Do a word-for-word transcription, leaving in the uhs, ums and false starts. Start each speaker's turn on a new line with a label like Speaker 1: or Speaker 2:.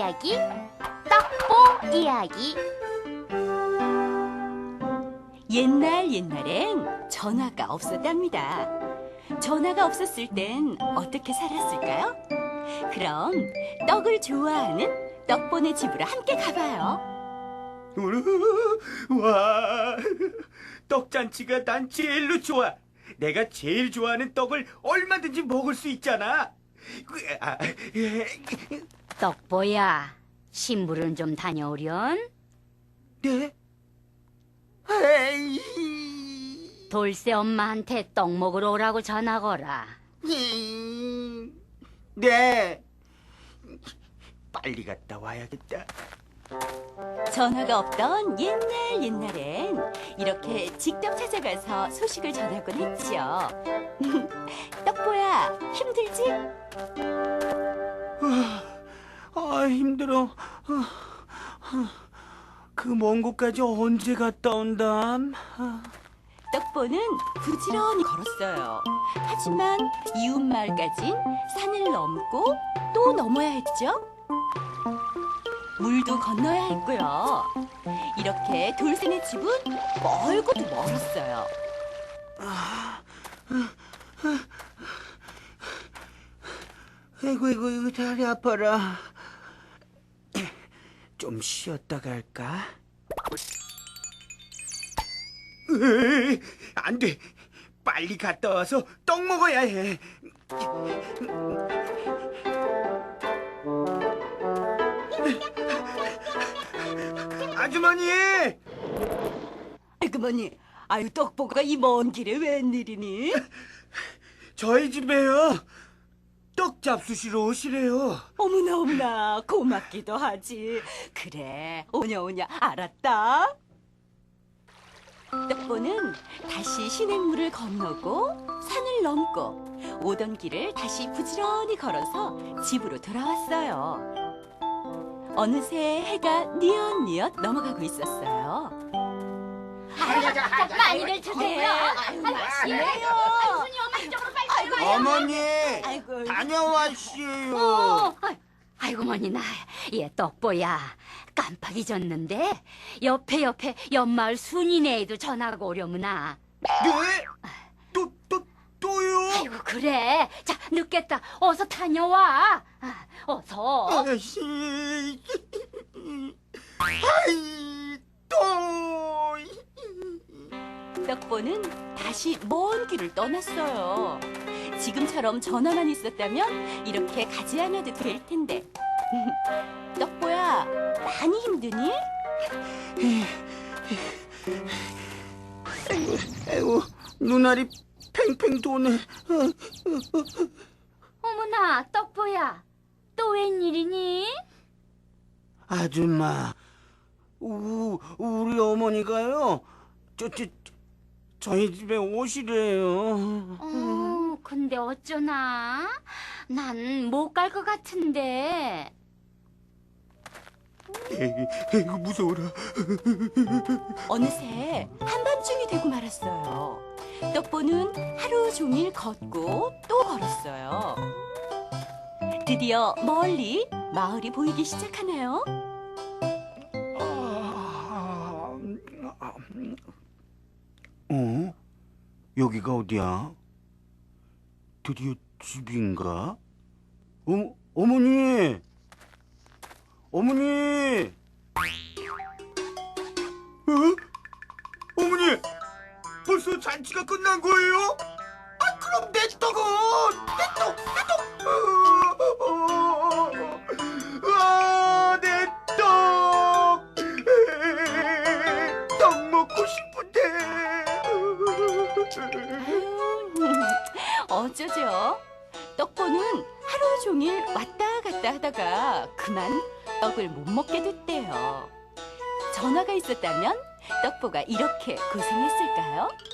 Speaker 1: 이야기, 떡보 이야기.
Speaker 2: 옛날 옛날엔 전화가 없었답니다. 전화가 없었을 땐 어떻게 살았을까요? 그럼 떡을 좋아하는 떡보네 집으로 함께 가봐요.
Speaker 3: 와, 떡잔치가 난 제일로 좋아. 내가 제일 좋아하는 떡을 얼마든지 먹을 수 있잖아. 아,
Speaker 1: 떡보야, 심부름 좀 다녀오련?
Speaker 3: 네? 에이,
Speaker 1: 돌쇠 엄마한테 떡 먹으러 오라고 전화 거라.
Speaker 3: 네. 빨리 갔다 와야겠다.
Speaker 2: 전화가 없던 옛날 옛날엔 이렇게 직접 찾아가서 소식을 전하곤 했죠. 떡보야, 힘들지?
Speaker 3: 아, 힘들어. 그 먼 곳까지 언제 갔다 온담?
Speaker 2: 떡보는 부지런히 걸었어요. 하지만 이웃 마을까진 산을 넘고 또 넘어야 했죠. 물도 건너야 했고요. 이렇게 돌쇠네 집은 멀고도 멀었어요.
Speaker 3: 아이고, 이고 이거 다리 아파라. 좀 쉬었다 갈까? 으이, 안 돼. 빨리 갔다 와서 떡 먹어야 해. 아주머니!
Speaker 2: 아이고머니, 아유 떡보가 이 먼 길에 웬일이니?
Speaker 3: 저희 집에요. 떡 잡수시러 오시래요.
Speaker 2: 어머나 어머나 고맙기도 하지. 그래 오냐 오냐 알았다. 떡보는 다시 시냇물을 건너고 산을 넘고 오던 길을 다시 부지런히 걸어서 집으로 돌아왔어요. 어느새 해가 뉘엿뉘엿 넘어가고 있었어요.
Speaker 1: 많이들 드세요. 아유, 맛있네요. 순이 엄마 이쪽으로 빨리 들어가요.
Speaker 3: 어머니,
Speaker 2: 아이고.
Speaker 3: 다녀왔시요.
Speaker 1: 어, 아이, 아이고 머니 나, 얘 떡보야, 깜빡 잊었는데 옆에 옆에 옆마을 순이네에도 전화가 오려무나.
Speaker 3: 네? 또, 또, 또요?
Speaker 1: 아이고 그래, 자 늦겠다, 어서 다녀와. 아, 어서.
Speaker 3: 아이씨, 아이, 또.
Speaker 2: 떡보는 다시 먼 길을 떠났어요. 지금처럼 전화만 있었다면 이렇게 가지 않아도 될 텐데. 떡보야, 많이 힘드니?
Speaker 3: 아이고, 아이고, 눈알이 팽팽 도네.
Speaker 1: 어머나 떡보야, 또 웬일이니?
Speaker 3: 아줌마, 우, 우리 어머니가요, 저, 저, 저희 집에 오시래요.
Speaker 1: 어, 근데 어쩌나? 난 못 갈 것 같은데.
Speaker 3: 에이구, 무서워라.
Speaker 2: 어느새 한밤중이 되고 말았어요. 떡보는 하루 종일 걷고 또 걸었어요. 드디어 멀리 마을이 보이기 시작하네요.
Speaker 3: 어? 여기가 어디야? 드디어 집인가? 어, 어머니! 어머니! 어? 어머니! 벌써 잔치가 끝난 거예요? 아, 그럼 내 떡은! 내 떡! 내 떡! 아, 내 떡! 떡 먹고 싶은데!
Speaker 2: 어쩌죠? 떡보는 하루 종일 왔다 갔다 하다가 그만 떡을 못 먹게 됐대요. 전화가 있었다면 떡보가 이렇게 고생했을까요?